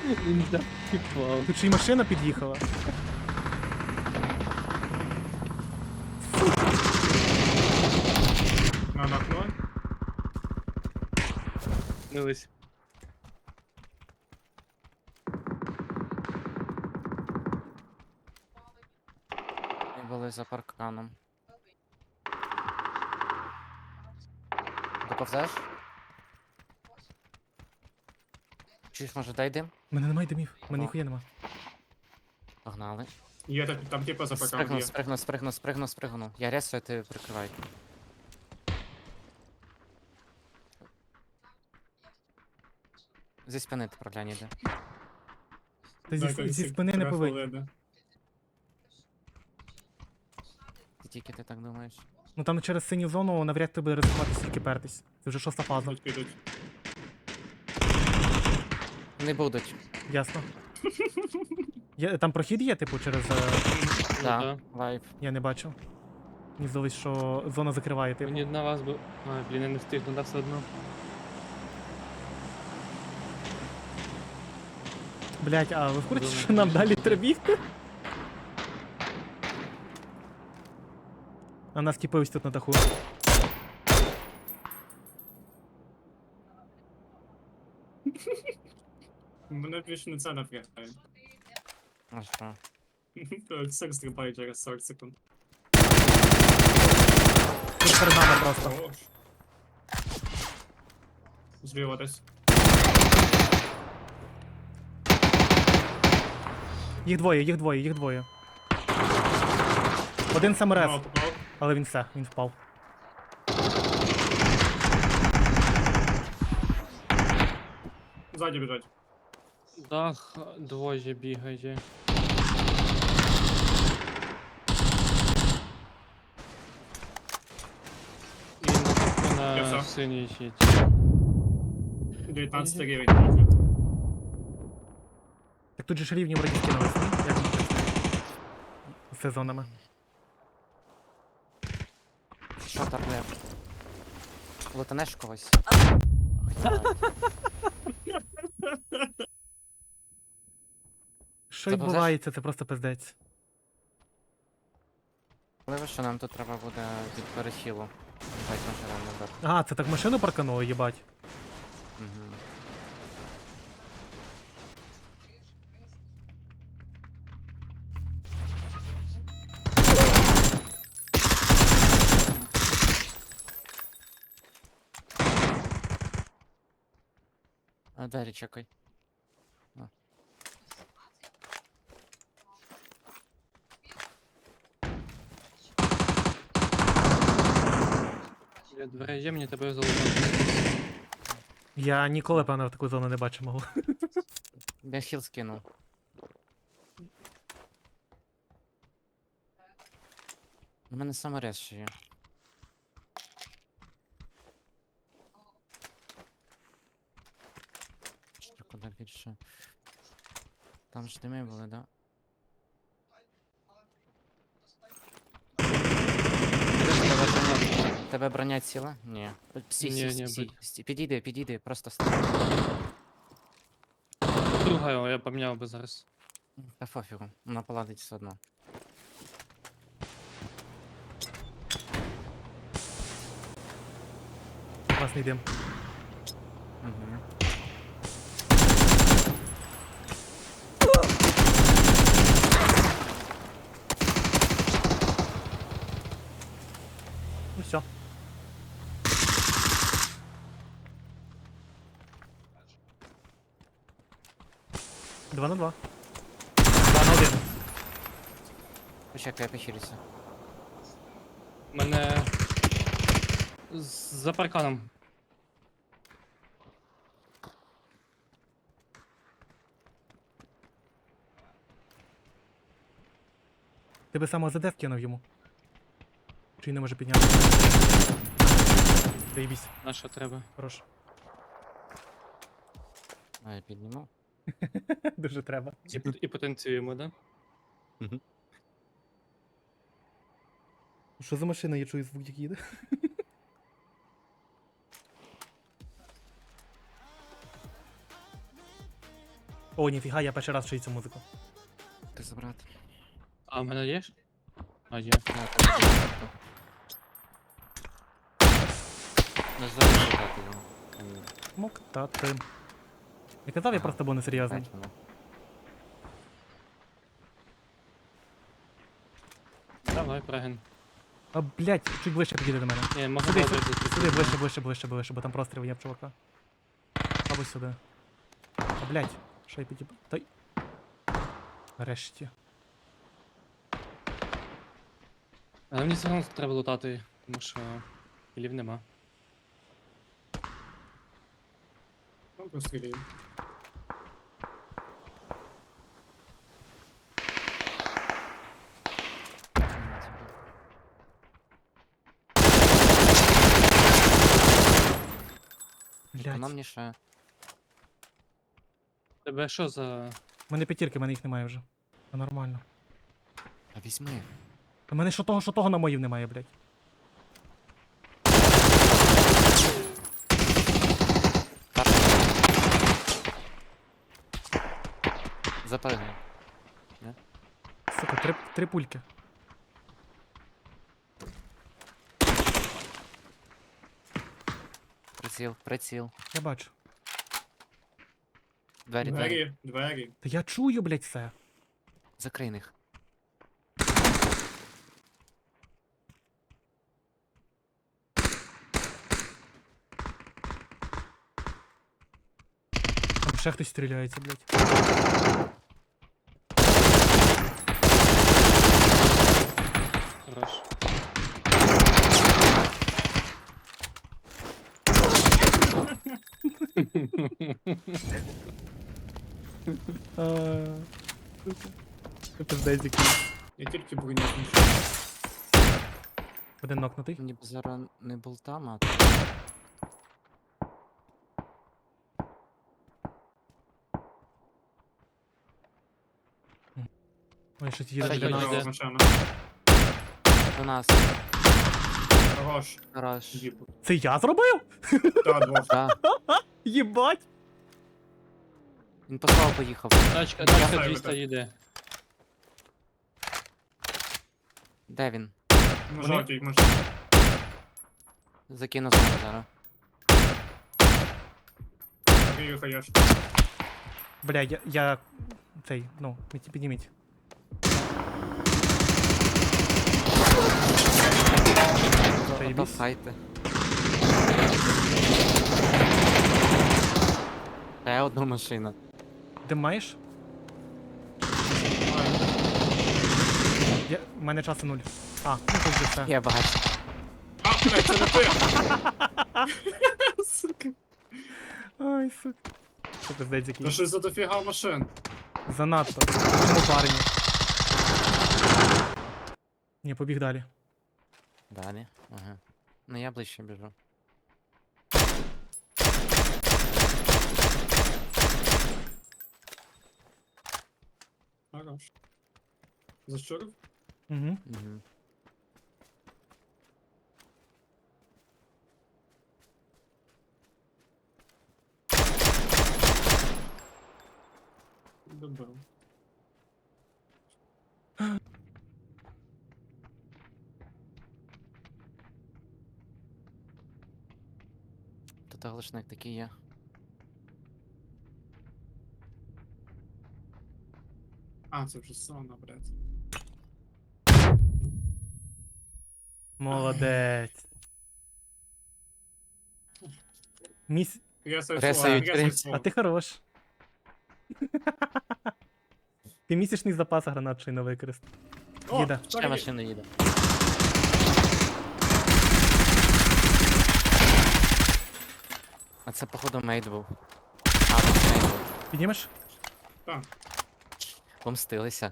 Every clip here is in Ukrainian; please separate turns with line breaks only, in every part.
Він закипав.
Тут ще й машина під'їхала.
На окно.
Дивись.
Ми були за парканом. Доповзеш? Чуєш, може дай дим?
У мене немає димів, у мене ніхуя нема.
Погнали.
Є там типа за парканом
Спригнув. Я ресую, ти прикривай. Зі спини ти проглянь іде.
Та зі спини не повинні.
повинен.
Тільки ти так думаєш.
Ну там через синю зону навряд тебе ризикувати стільки пертись. Це вже 6-та фаза.
Підуть.
Не будуть.
Ясно. Там прохід є, типу, через.
Да,
да.
лайф.
Я не бачу. Мені здалось, що зона закриває, типу.
Мені на вас би. А, блін, я не встигну, да, все одно.
Блять, а ви в курсі,
Думаю,
що нам
що
далі
буде.
треба бігти? А нас типи ось тут на даху.
Мене більше не це напрягає.
А що?
Сир стрибає через 40 секунд.
Тут перед нами просто.
Хорош. Зліва десь.
Їх двоє. Один саморез,
Мало попав.
але він все, він впав.
Ззаді біжать.
Дах двоє бігає. І на
Я все.
синій щит.
19 рівень.
Так тут же ж рівні вроді скинулись, ні? Як ми так? З сезонами.
Що там не? Лутанеш когось?
Що
Заповзеш?
відбувається, це просто пиздець.
Можливо, що нам тут треба буде від перехилу. Бать машина назад.
Ага, це так машину паркануло, їбать.
Угу. А далі чекай.
Біля дверей є, мені тебе залутати.
Я ніколи, певно, в таку зону не бачив мого.
Я хіл скинув. У мене саморез ще є. Що куди більше? Там ж дими були, да? Тебе броня ціла? Ні.
Ні,
Підійди, просто стань.
Друга його я поміняв би зараз.
Та пофігу, вона поладить все одно.
Класний дим.
Угу.
Ну все. Два на два. 2-1.
Почекай, я похилюся.
Мене. За парканом.
Ти би саме ЗД кинув йому. Чи й не може підняти? Заєбісь,
На що треба?
хорош.
А я підніму.
Дуже треба.
І потанцюємо, да?
Що за машина, я чую звук, як їде? О, ніфіга, я перший раз чую цю музику.
Ти забрати.
А в мене є? ж? А, є.
Да, так, так, так. Не залишити його.
Моктати. Я казав, я
Ага.
просто був несерйозним.
Бачимо.
Давай, преген.
А, блядь, чуть ближче підійди до мене.
Ні, можна
Сюди,
було
сюди,
вийти.
сюди, ближче, бо там простріл є в чувака. Або сюди. А, блядь, що я підіб... Та... Нарешті.
Але мені все одно треба лутати, тому що кілів нема.
Ну, пострілюємо.
Вона
Блядь.
мені ще.
Тебе що за.
У мене п'ятірки, в мене їх немає вже. Та нормально.
А візьми.
У мене що того намоїв немає, блядь.
Запригни.
Сука, три пульки.
Приціл, приціл.
Я бачу.
Двері, двері.
Двері, двері.
Та я чую, блядь, все.
Закрий них.
Там ще хтось стріляється, блядь.
Хорош.
Це пиздець який.
Я тільки броню знайшов.
Один нокнутий.
Мені б зараз не болтам, а
Ой, щось їде
Та
біля
йо,
нас.
йде.
Машина.
до нас.
Хорош.
Хорош.
Їбу.
Це я зробив?
Та, двох.
Да.
Єбать!
Він по слову поїхав.
Тачка
Давай,
200
давай.
їде.
Де він?
На жовтій машині.
Закину знову зараз.
Грію хаєш.
Бля, я... Цей, ну, підніміть.
То
Заєбісь.
файте. Ще одну машину.
Де маєш? У мене часу 0. А, ну тут вже все.
Я бачу.
А, блядь, це не ти! Сука.
Ай, сука. Це пиздець
Та
який.
що за дофіга машин?
Занадто. Чому парні? Ні, побіг далі.
Далі. Ага. Ну я ближче біжу.
Хорош. Зачурив?
Угу.
Угу.
Добив.
Тут глушник такий є.
А, це вже сауна, блядь.
Молодець. Міс...
Ресають, ресають.
А ти хорош. Ти місячний запас гранат ще й не використав. Їде.
Ще машина їде. А це походу мейд був. А, тут мейд був.
Піднімеш?
Так.
Х6.
Помстилися.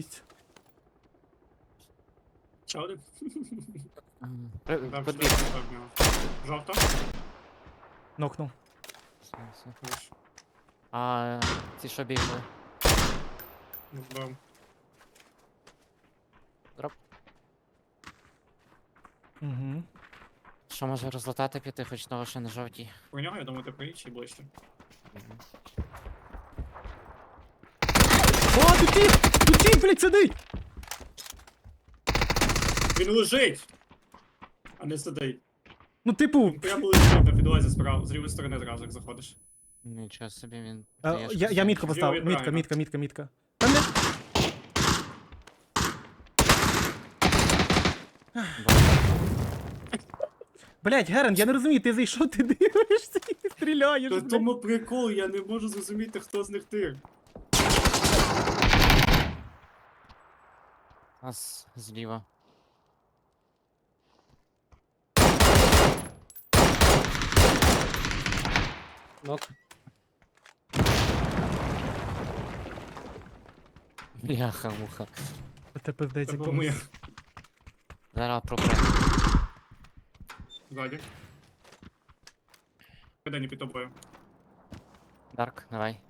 Ще один? Там
Подбіг.
що в нього. Жовта?
Нокнув.
Хорош.
А ці що бігли?
Вбив.
Дроп.
Угу.
Що може розлатати піти, хоч того ще не жовтій.
Про нього, я думаю, ти приїдь чи ближче.
Мгм.
О, тут тіп, блядь, сидить!
Він лежить! А не сидить.
Ну, типу,
Він прямо лежить на підлозі справа, з лівої сторони зразу, як заходиш.
Нічого собі він.
я мітку поставив,
Зліва і
мітка,
правильно.
мітка. Там не... Блядь, Герен, я не розумію, ти зайшов, ти дивишся і стріляєш,
То
блядь.
тому прикол, я не можу зрозуміти, хто з них тир.
Нас зліва.
Нок.
Бляха-муха.
Це пиздець,
Це
як
був моя.
Зараз пропре.
Ззаді. Куди не під тобою.
Дарк, давай.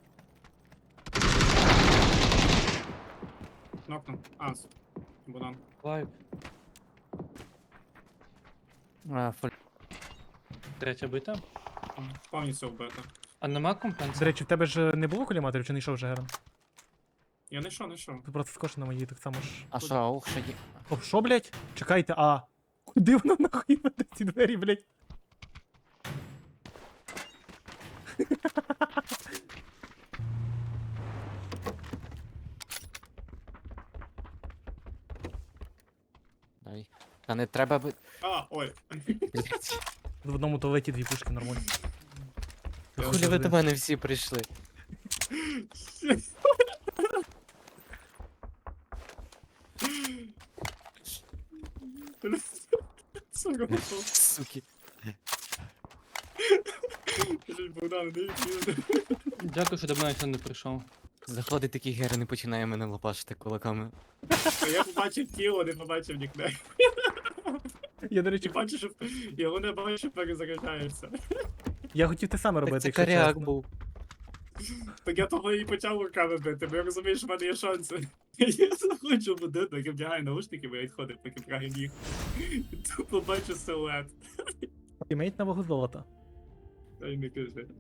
Нокнув. Ас. Будан.
Лайв.
Фуль.
Третя бита.
Повністю вбито.
А нема
До
компенсації?
речі, в тебе ж не було коліматорів, чи не йшов вже Герен?
Я не йшов.
Тут просто скош на моїй так само ж.
А що, аух, що є?
О, що, блядь? Чекайте, а... Куди воно нахуй веде ці двері, блядь?
Дай. Та не треба би.
А, ой.
В одному туалеті дві пушки нормально.
Хулі ви до мене всі прийшли.
Це робив.
Суки.
Богдан, не йди.
Дякую, що до мене ніхто не прийшов.
Заходить такий герой і починає мене лопашити кулаками.
Я побачив тіло, не побачив нікнейм.
Я, до
Чи
речі,
бачиш, його не бачу, перезаряджається.
я хотів те саме робити,
Так це
якщо
коряк
чесно.
був.
Так я того і почав руками бити, бо я розумію, що в мене є шанси. Я заходжу в будинок, я вдягаю наушники, бо я відходив, поки прагаю ніг. І тут побачу силует.
Тімейт на вагу золота.
Та й не кажи.